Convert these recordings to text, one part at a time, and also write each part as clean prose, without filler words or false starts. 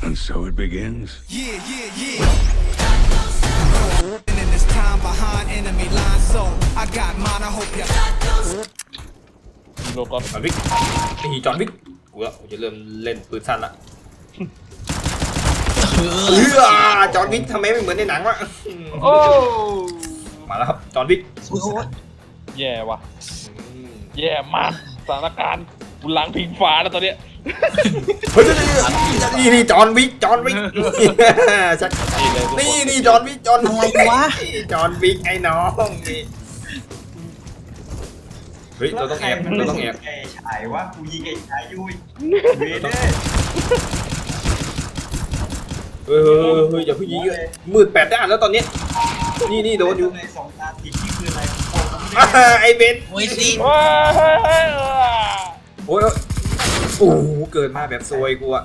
And so it begins. Yeah. And in this time behind enemy lines, so I got mine. I hope you. โลกอนจอห์นวิกนี่จอห์นวิกกูจะเริ่มเล่นปืนสั้นละจอห์นวิกทำไมไม่เหมือนในหนังวะโอ้มาแล้วครับจอห์นวิกแย่ว่ะแย่มากสถานการณ์กูหลังพิงฟ้าแล้วตอนเนี้ยเฮ้ยนี่จอห์นวิกชักนี่จอห์นวิกจอห์นวิกอะไรวะจอห์นวิกไอ้น้องนี่เฮ้ยเราต้องแอบไอ้ฉายว่ากูยิงไอ้ฉายยุยเวเด้เฮ้ยอย่าเพิ่งยิงเลยมืด8 ด้านแล้วตอนนี้นี่โดนอยู่ในสองตาติดที่คืออะไรไอ้เบนโอ้ยสิโอ้ยโอ้โหเกิดมาแบบซวยกูอะ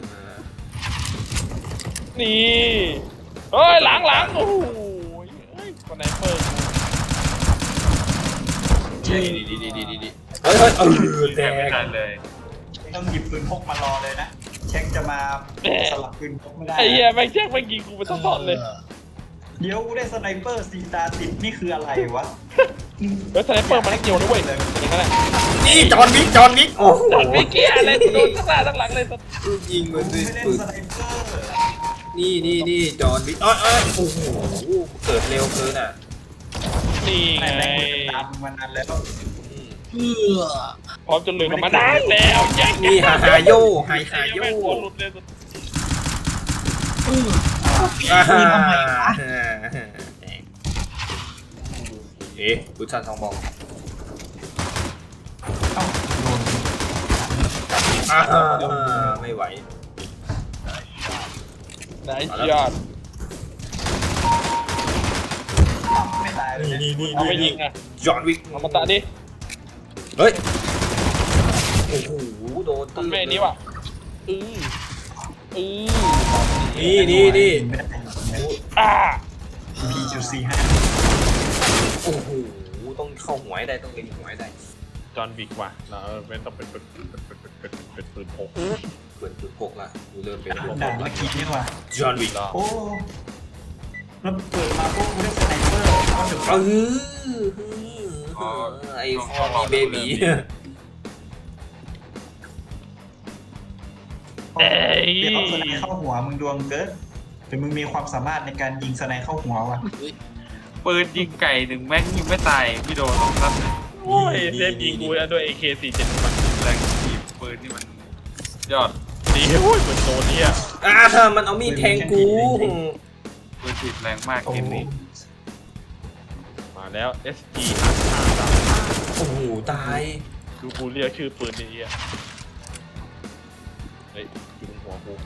นี่เฮ้ยหลังโอ้โหเฮ้ยคนไหนเปิดดีเฮ้ยแตกต้องหยิบปืนพกมารอเลยนะเช็คจะมาสลับปืนพกไม่ได้ไอ้เหี้ยแม่งแจ็คแม่งยิงกูไปตลอดเลยเดี๋ยวกูได้สไนเปอร์สีตาติดนี่คืออะไรวะแล้วสไนเปอร์มันนักเกี่ยวด้วยอย่างนั้นแหละนี่จอห์นวิกโอ้โหไม่เกี่ยอะไรโดนตั้งหน้าตั้งหลังเลยยิงมันไม่สิเล่นปืนสไนเปอร์นี่จอห์นวิกโอ้โหเกิดเร็วเกินอ่ะนี่ไงแม่งตามมานานแล้วพร้อมจะลืมกับมันได้แล้วแจ็คนี่ฮาโยแม่งตัวหลุดเลยเอ๊ะพุทธันทองบอกเอ้าโดนไม่ไหวไหนยอดไม่ตายเลยเอาไปยิงอ่ะจอห์นวิกเอามาตะดิเฮ้ยโอ้โหโดนมันไม่นี้ว่ะนี่อ่า P.45 โอ้โหต้องเข้าหัวให้ได้ต้องเล็งหัวให้ได้จอห์นวิกว่ะเราเป็นต้องเป็นปืนพกเปิดปืนพกละกูเริ่มเป็นด่านเมื่อกี้นี่ว่ะจอห์นวิกโอ้แล้วเปิดมาพวกกูได้สไนเปอร์ก็ถึงไอ้คอมีเบบีเอ้ยเดี๋ยวเอาสไนเข้าหัวมึงดวงเกินแต่มึงมีความสามารถในการยิงสไนเข้าหัวว่ะปืนยิงไก่หนึ่งแม่งยิงไม่ตายพี่โดนครับโอ้ยเซฟยิงกูแล้วด้วย AK47 มันแรงทีบปืนนี่มันยอดดีโอ้ยเหมือนโดนเนี่ยมันเอามีดแทงกูปืนถีบแรงมากโอ้เกมโหนี้มาแล้ว SG โอ้โหตายดูกูเรียกชื่อปืนนี้อ่ะเฮ้ยอยู่บนหัวกู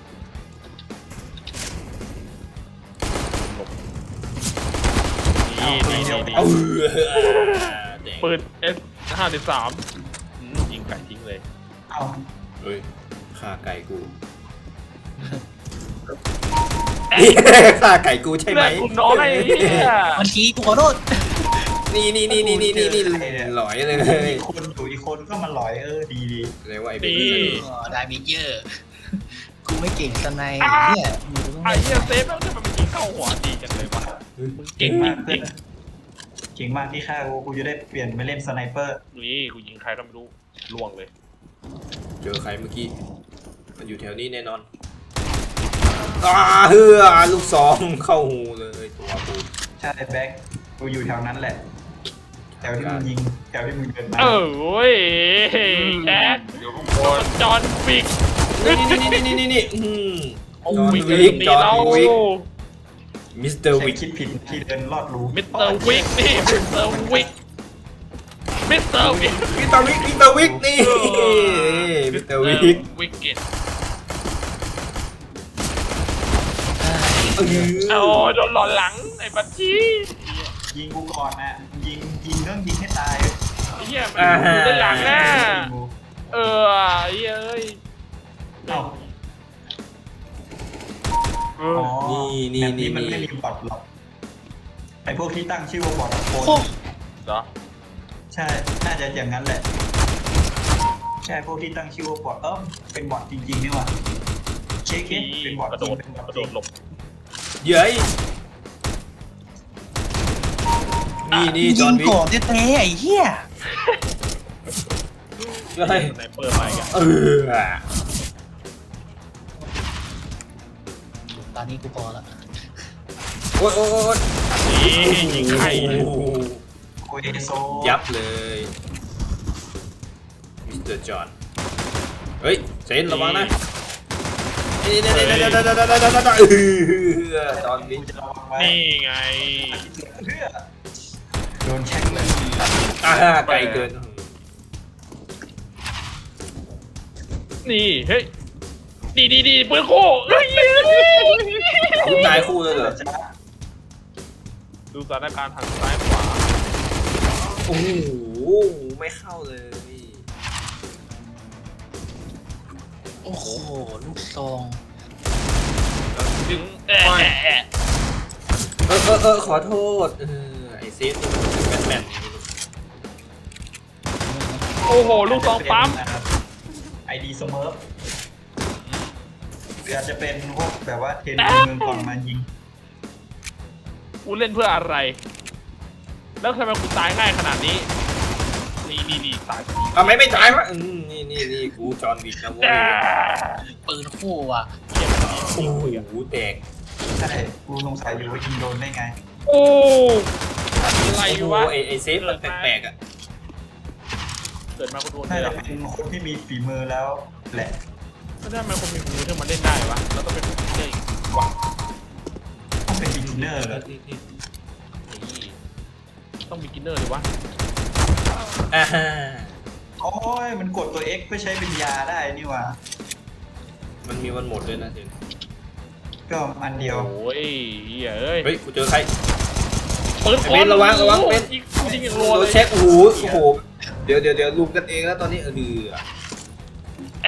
นี่ปืน S53 ยิงไก่ทิ้งเลยเอาเฮ้ยฆ่าไก่กูฆ่าไก่กูใช่ไหมเลือดกูน้อยเนี่ยมันทีกูขอโทษนี่หลอยเลยอีกคนอยู่อีกคนก็มาหลอยดีเรียกว่าไอ้เบนี่บี้ได้เมเจอร์กูไม่เก่งสไนเนี่ยมึงต้องไอ้เหี้ยเซฟแล้วทำไมมันยิงเข้าหัวดีจังเลยวะมึงเก่งมากจริงเก่งมากที่ฆ่ากูจะได้เปลี่ยนไปเล่นสไนเปอร์นี่กูยิงใครก็ไม่รู้ล่วงเลยเจอใครเมื่อกี้มันอยู่แถวนี้แน่นอนลูกซองเข้าหูเลยตัวกูใช่แบ็คกูอยู่แถวนั้นแหละแถวที่มึงยิงแถวที่มึงเดินมาโอ้ยแจ็คเดี๋ยวพวกโดนจอห์นวิกนี่จอห์นวิกมิสเตอร์ใครวิกคิดผิดที่เดินลอดรูมิสเตอร์วิกนี่มิสเตอร์วิกมิสเตอร์วิกมิสเตอร์วิกนี่มิสเตอร์วิกวิกเก็ตเออโอ้โดนหลอนหลังไอ้บัญชียิงกูก่อนนะยิงต้องยิงให้ตายไอ้เหี้ยมันอยู่ด้านหลังน่ะไอ้เหี้ยเอ้ยเอ้าเอออ๋อนี่แบบนี้มันไม่มีบอทหรอกไอพวกที่ตั้งชื่อว่าบอทโคนเหรอใช่น่าจะอย่างนั้นแหละใช่พวกที่ตั้งชื่อว่าบอทเป็นบอทจริงๆนี่หว่าโชช็คนี่เป็นบอร์ดกระโดดเป็นบอร์กระโดดหลบเย้ยนี่จยิอห์งนวิกก่อนเต้ๆไอ้เหี้ยเฮ้ยสไนเปอร์มาอีกอะตอนนี้กูพอละโอ๊ยนี่ยิงไข่โอ้โหโอเอโซยับเลยมิสเตอร์จอห์นเฮ้ยเซนระวังนะนี่จอห์นวิกจะระวังไว้นี่ไงเพื่อโดนเช็คเลยไกลเกินนี่เฮ้ยดีปืนคู่เฮ้ยคุณนายคู่เลยเหรอดูสถานการณ์หันซ้ายขวาโอ้โหไม่เข้าเลยโอ้โหลูกซองดึงขอโทษไอเซฟนี่มันแบนโอ้โหลูกซองปั๊มไอดีสเมิร์ฟหรืออาจจะเป็นพวกแบบว่าเทนเมืองก่อนมายิงกูเล่นเพื่ออะไร แล้วทำไมกูตายง่ายขนาดนี้นี่ตายทำไมไม่จ่ายวะนี่กูจอห์นวิกนะเว้ยปืนคู่ว่ะโอ้โหแตกใช่กูสงสัยอยู่ว่ายิงโดนได้ไงโอ้อะไรวะไอเซฟมันแปลกๆอ่ะเกิดมากูโดนน่าเลยจะเป็นคนที่มีฝีมือแล้วแหละไม่ได้ทำไมคนมีมือถึงมาเล่นได้วะแล้วต้องเป็นผู้เล่นอีกวะต้องเป็นบิกินเนอร์เลยต้องมีกินเนอร์เลยวะโอ้ยมันกดตัว X เพื่อใช้เป็นยาได้นี่หว่ามันมีวันหมดด้วยนะเจนก็อันเดียวโอ้ยเอ้ยเฮ้ยกูเจอใครปืนเบนระวังเบนยิงอย่างรัวโดเลนยเช็คโอ้โหเดี๋ยวลุมกันเองแล้วตอนนี้แอะ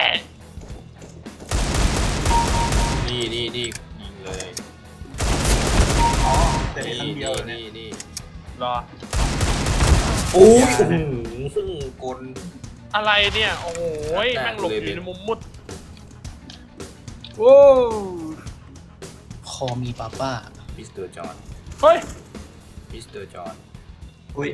นี่ยิงเลยอ๋อแต่ในครั้งเดียวเนี่ยนี่รอโอ้ยกลอะไรเนี่ยโอ้โหแม่งหลบอยู่ในมุมมุดโอ้คอมีป้าป้ามิสเตอร์จอห์นเฮ้ยมิสเตอร์จอห์นอุ้ย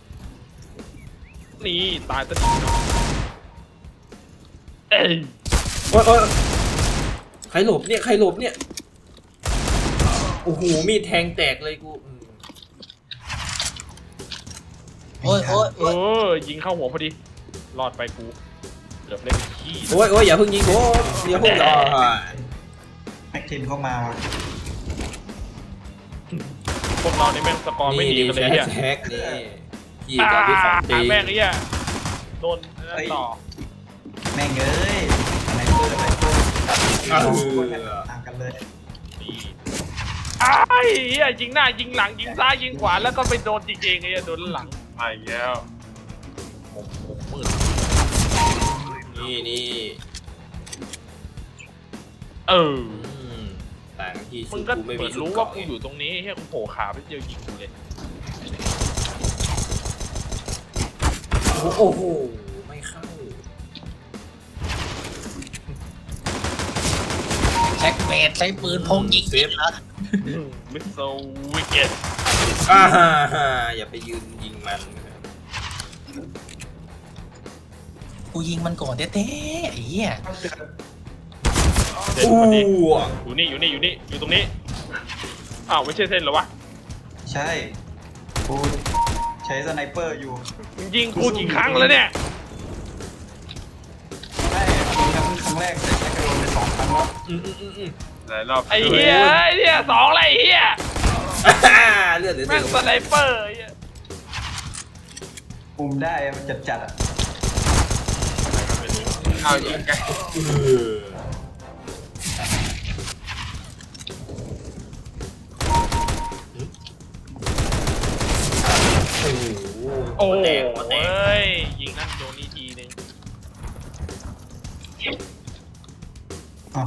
นี่ตายซะดีเนาะเอ้ยโอ้ยใครหลบเนี่ยโอ้โหมีดแทงแตกเลยกูโอ้ยยิงเข้าหัวพอดีรอดไปกูเกือบเล่นขี้โอ้ยอย่าเพิ่งยิงโอ้อย่าเพิ่งรอแม็กทินเข้ามาว่ะพวกเราในแม่งสกอร์ไม่ดีกันเลยเนี่ยแท็กนี่พี่ตอนที่สองตีแม่งไอ้เนี่ยโดนนั่นต่อแม่งเอ้ยอะไรเปิดต่างกันเลยนี่ไอ้เหี้ยยิงหน้ายิงหลังยิงซ้ายยิงขวาแล้วก็ไปโดนจริงๆไอ้เหี้ยโดนหลังไปแล้วผมมืดนี่ ต่างที่มึสุงดก็กูไม่เหมืมีอนสุดรู้เกาะว่ากูอยู่ตรงนี้เฮ้ยกูโผล่ขาไปเจอยิงกูเลยโอ้โหไม่เข้าแจ็คเบดใช้ปืนพกยิงนะมิสโซวิกเก็ตอย่าไปยืนยิงมันกูยิงมันก่อนเต้ๆไอ้เหี้ยเส้นพอดีอยู่นี่อยู่ตรงนี้อ้าวไม่ใช่เส้นเหรอวะใช่กูใช้สไนเปอร์อยู่มึงยิงกูกี่ครั้งแล้วเนี่ยใช่ครั้งแรกแต่ใช้กระโดดไป2 ครั้งแล้วหลายรอบไอ้เหี้ยสองอะไรเหี้ยเลือดเหลือแม่งสไนเปอร์ไอ้เหี้ยปุ่มได้มันจัดอ่ะเอายิงไกลโอ้แตยกยิงนั่นโดนนี่ทีนึงอ๋อ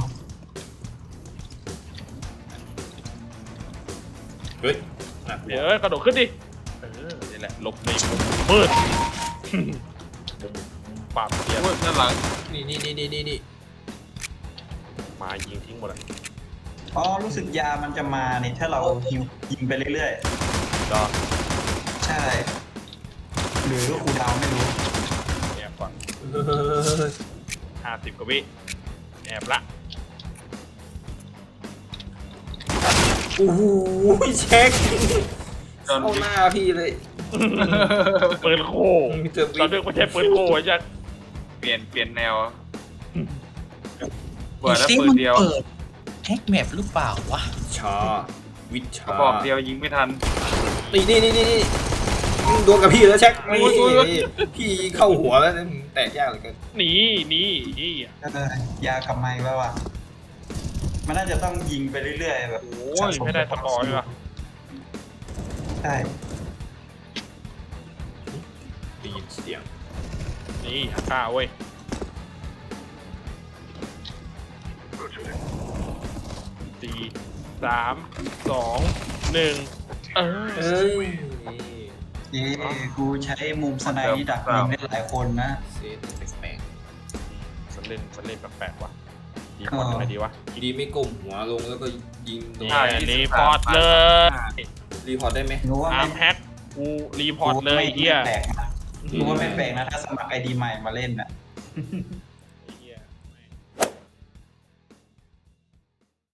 เฮ้ยเดี๋ยวกระโดดขึ้นดินี่แหละหลบในมุมมืดมุมปราบเสียด้านหลังนี่มายิงทิ้งหมดเลยอ๋อรู้สึกยามันจะมาเนี่ยถ้าเรายิงไปเรื่อยก็ๆ ใช่ หรือคูลดาวน์ไม่รู้แอบก่อน50 กว่าวิแอบละโอ้โหเช็คจนเข้าหน้าพี่เลยปืนโค้ตอนนึกไม่ใช่ปืนโค้ไอ้จัดเปลี่ยนแนวไอ้เปิดแล้วซิปืนมันเดียวเปิดแฮกแมปหรือเปล่าวะชาวิชากระบอกเดียวยิงไม่ทันนี่โดนกับพี่แล้วเช็คโอ้ยพี่เข้าหัวแล้วแตกยากเหลือเกินหนียาขับไม้แล้วอ่ะ มันน่าจะต้องยิงไปเรื่อยๆแบบโอ้ยไม่ได้สกอร์เลยว่ะใช่ได้ยินเสียงนี่ฆ่าเว้ย4 3 2 1เออเอ้ยเย้กูใช้มุมสไนด์นี่ดักยิงได้หลายคนนะเซตแปลกมันเล่นแปลกๆว่ะดีพอร์ตอะไรดีวะๆดีไม่ก้มหัวลงแล้วก็ยิงโดนใช่รีพอร์ตเลยรีพอร์ตได้ไหมรู้ว่าอาร์มแฮกกูรีพอร์ตเลยเฮียไม่แปลกนะรู้ว่าไม่แปลกนะถ้าสมัครไอดีใหม่มาเล่นน่ะ